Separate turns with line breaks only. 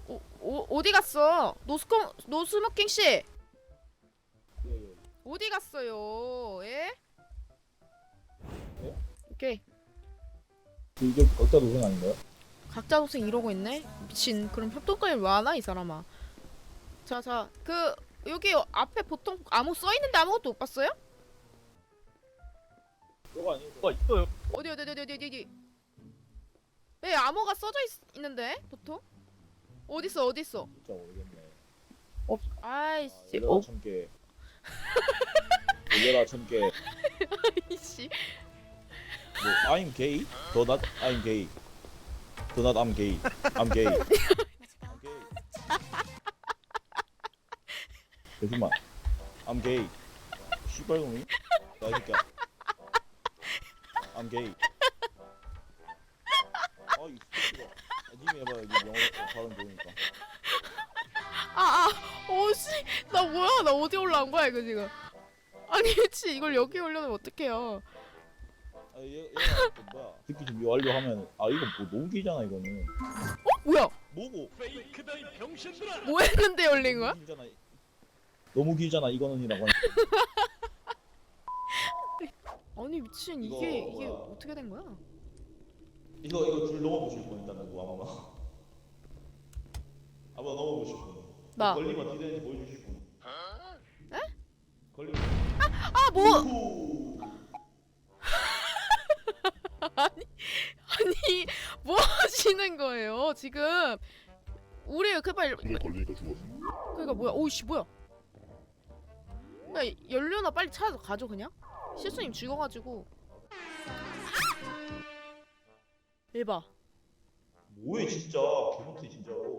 어디 갔어? 노스모킹 씨
예.
어디 갔어요? 예?
예?
오케이.
이게 각자 노생 아닌가요?
각자 도생 이러고 있네. 미친. 그럼 협동까지 왜 하나 이 사람아? 자, 그 여기 앞에 보통 아무 써 있는데 아무것도 못 봤어요?
이거 아니에요? 가 있어요.
어디? 왜 암호가 써져 있는데 보통? 어딨어?
진짜 모르겠네.
아이씨.
열려라 1000개. 열려라 1000개.
이씨.
뭐 I'm gay? 더 not I'm gay. 더 not I'm gay. I'm gay. I'm gay. 잠시만. I'm gay. 씨발놈이? 나 이 새끼야. I'm gay. 이 새끼가. 님이 해봐. 여기 영어 발음 좋으니까.
오씨. 나 뭐야? 나 어디 올라온 거야 이거 지금? 아니 미치. 이걸 여기 올려놓으면 어떡해요?
얘가 또 뭐야? 듣기 준비 완료하면 이거 뭐 너무 길잖아 이거는.
뭐야?
뭐고?
페이크다 이 병신들아!
뭐 했는데 열린 거야?
너무 길잖아 이거는이라고.
아니 미친.
이거
이게
뭐야?
어떻게 된 거야?
이거 줄 넘어보실 분 있다 누구 아마. 아마 넘어보실 분.
나.
걸리면 어떻게 되는지 보여주실 분.
에?
걸리면.
뭐?
우후.
아니 뭐 하시는 거예요 지금? 우리 그발
근데 걸리니까 죽었어.
그러니까 뭐야? 오이씨 뭐야? 야 연료나 빨리 찾아서 가죠 그냥? 실수님 죽어가지고. 에바.
뭐해 진짜 개못해 진짜로.